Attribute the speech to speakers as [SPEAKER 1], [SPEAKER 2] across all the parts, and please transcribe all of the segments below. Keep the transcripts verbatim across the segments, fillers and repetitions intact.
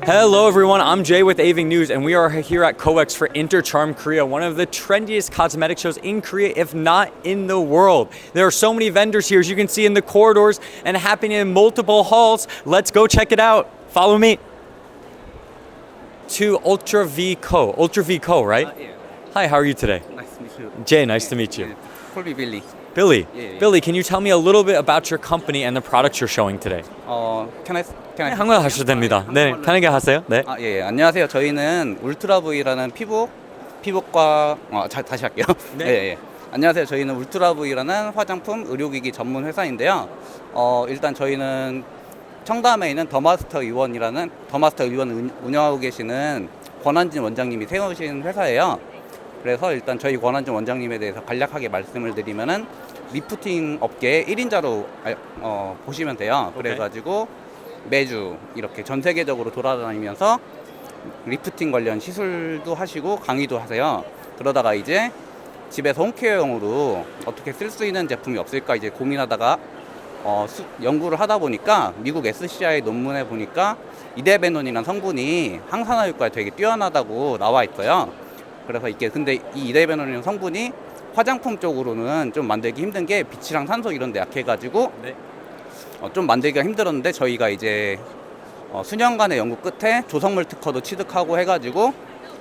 [SPEAKER 1] Hello everyone, I'm Jay with Aving News and we are here at COEX for Intercharm Korea, one of the trendiest cosmetic shows in Korea, if not in the world. There are so many vendors here, as you can see in the corridors and happening in multiple halls. Let's go check it out. Follow me to Ultra V Co. Ultra V Co, right?
[SPEAKER 2] Uh, yeah.
[SPEAKER 1] Hi, how are you today?
[SPEAKER 2] Nice to meet you.
[SPEAKER 1] Jay, nice to meet you.
[SPEAKER 2] Call me Billy.
[SPEAKER 1] Billy,
[SPEAKER 2] Yeah, yeah.
[SPEAKER 1] Billy, can you tell me a little bit about your company and the products you're showing today?
[SPEAKER 2] 어, can I can I?
[SPEAKER 1] 네, 한국어 하셔도 됩니다. 네, 편하게 하세요. 네.
[SPEAKER 2] 아, 예, 예. 안녕하세요. 저희는 울트라 V라는 피부 피부과 어, 자, 다시 할게요.
[SPEAKER 1] 네.
[SPEAKER 2] 예, 예. 안녕하세요. 저희는 울트라 V라는 화장품 의료기기 전문 회사인데요. 어, 일단 저희는 청담에 있는 더마스터 의원이라는 더마스터 의원 운영하고 계시는 권한진 원장님이 세우신 회사예요. 그래서 일단 저희 권한진 원장님에 대해서 간략하게 말씀을 드리면은 리프팅 업계의 일 인자로 어, 보시면 돼요. 그래가지고 매주 이렇게 전 세계적으로 돌아다니면서 리프팅 관련 시술도 하시고 강의도 하세요. 그러다가 이제 집에서 홈케어용으로 어떻게 쓸 수 있는 제품이 없을까 이제 고민하다가 어, 수, 연구를 하다 보니까 미국 에스씨아이 논문에 보니까 이데베논이라는 성분이 항산화 효과가 되게 뛰어나다고 나와 있어요. 그래서 이게 근데 이 이데베논이라는 성분이 화장품 쪽으로는 좀 만들기 힘든 게 빛이랑 산소 이런 데 약해가지고
[SPEAKER 1] 네.
[SPEAKER 2] 어, 좀 만들기가 힘들었는데 저희가 이제 어, 수년간의 연구 끝에 조성물 특허도 취득하고 해가지고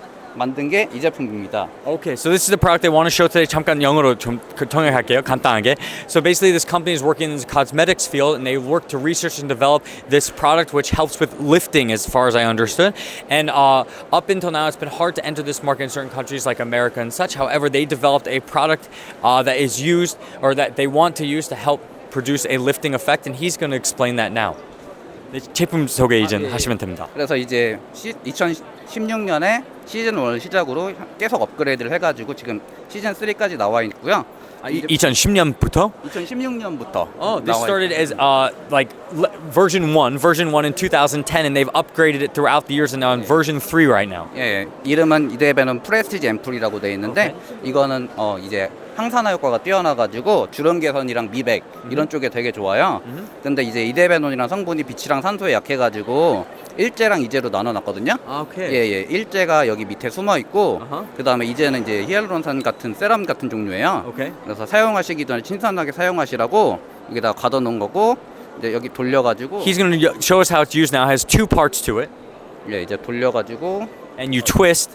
[SPEAKER 2] 만든 게 이 제품입니다.
[SPEAKER 1] Okay, so this is the product I want to show today. 잠깐 영어로 좀 통역할게요. 간단하게. So basically, this company is working in the cosmetics field, and they work to research and develop this product, which helps with lifting, as far as I understood. And uh, up until now, it's been hard to enter this market in certain countries like America and such. However, they developed a product uh, that is used, or that they want to use to help produce a lifting effect, and he's going to explain that now. 네, 제품 소개 이제
[SPEAKER 2] 아, 예, 예.
[SPEAKER 1] 하시면 됩니다.
[SPEAKER 2] 그래서 이제 시, 이천십육 년에 시즌 일을 시작으로 계속 업그레이드를 해가지고 지금 시즌 삼까지 나와 있고요.
[SPEAKER 1] 아, 이, 이천십 년부터?
[SPEAKER 2] 이천십육 년부터
[SPEAKER 1] Oh, this started as uh, like le- version one, version one in two thousand ten, and they've upgraded it throughout the years, and now in version three right now.
[SPEAKER 2] 예, 이름은 이데베논 프레스티지 앰플이라고 되어 있는데 이거는 어 이제 항산화 효과가 뛰어나가지고 주름 개선이랑 미백 이런 쪽에 되게 좋아요. 근데 이제 이데베논이랑 성분이 빛이랑 산소에 약해가지고 일제랑 이제로 나눠놨거든요.
[SPEAKER 1] Okay.
[SPEAKER 2] 예예, 일제가 여기 밑에 숨어 있고
[SPEAKER 1] 아하.
[SPEAKER 2] 그 다음에 이제는 이제 히알루론산 같은 세럼 같은 종류예요.
[SPEAKER 1] Okay.
[SPEAKER 2] 그래서 사용하시기 전에 신선하게 사용하시라고 여기다가 가둬놓은 거고 이제 여기 돌려가지고
[SPEAKER 1] He's going to show us how it's used now. It has two parts to it,
[SPEAKER 2] 예 이제 돌려가지고
[SPEAKER 1] and you twist.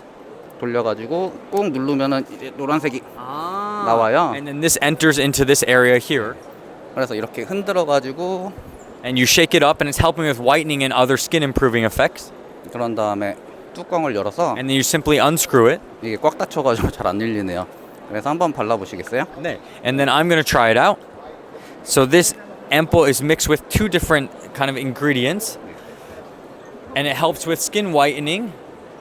[SPEAKER 2] 돌려가지고 꾹 누르면은 이제 노란색이 나와요.
[SPEAKER 1] And then this enters into this area here,
[SPEAKER 2] 그래서 이렇게 흔들어가지고
[SPEAKER 1] and you shake it up, and it's helping with whitening and other skin improving effects.
[SPEAKER 2] 그런 다음에 뚜껑을 열어서
[SPEAKER 1] And then you simply unscrew it.
[SPEAKER 2] 이게 꽉 닫혀가지고 잘 안 열리네요. 그래서 한번 발라보시겠어요?
[SPEAKER 1] 네. And then I'm going to try it out. So this ampoule is mixed with two different kind of ingredients, and it helps with skin whitening,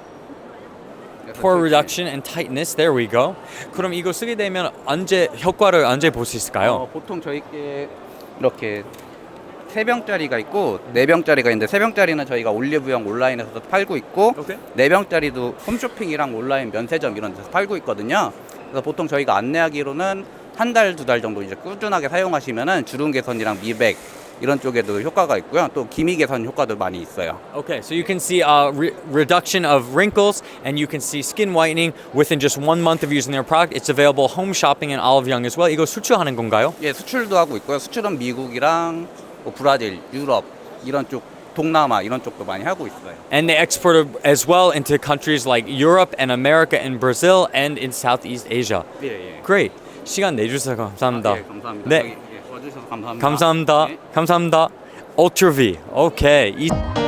[SPEAKER 1] pore reduction, and tightness. There we go. 그럼 이거 쓰게 되면 언제 효과를 언제 볼 수 있을까요?
[SPEAKER 2] 어, 보통 저희께 이렇게 세 병짜리가 있고 네 병짜리가 있는데 세 병짜리는 저희가 올리브영 온라인에서도 팔고 있고
[SPEAKER 1] 오케이.
[SPEAKER 2] 네 병짜리도 홈쇼핑이랑 온라인 면세점 이런 데서 팔고 있거든요. 그래서 보통 저희가 안내하기로는 한 달, 두 달 정도 이제 꾸준하게 사용하시면은 주름 개선이랑 미백 이런 쪽에도 효과가 있고요. 또 기미 개선 효과도 많이 있어요.
[SPEAKER 1] Okay, so you can see a re- reduction of wrinkles, and you can see skin whitening within just one month of using their product. It's available home shopping in Olive Young as well. 이거 수출하는 건가요?
[SPEAKER 2] 예, 수출도 하고 있고요. 수출은 미국이랑 뭐 브라질, 유럽 이런 쪽, 동남아 이런 쪽도 많이 하고 있어요.
[SPEAKER 1] And they export it as well into countries like Europe and America and Brazil and in Southeast Asia.
[SPEAKER 2] 예, 예.
[SPEAKER 1] Great. 시간 내주셔서 감사합니다.
[SPEAKER 2] 아, 예, 감사합니다.
[SPEAKER 1] 네.
[SPEAKER 2] 여기, 예, 와주셔서 감사합니다.
[SPEAKER 1] 감사합니다.
[SPEAKER 2] 네.
[SPEAKER 1] 감사합니다. Ultra V. 오케이. 이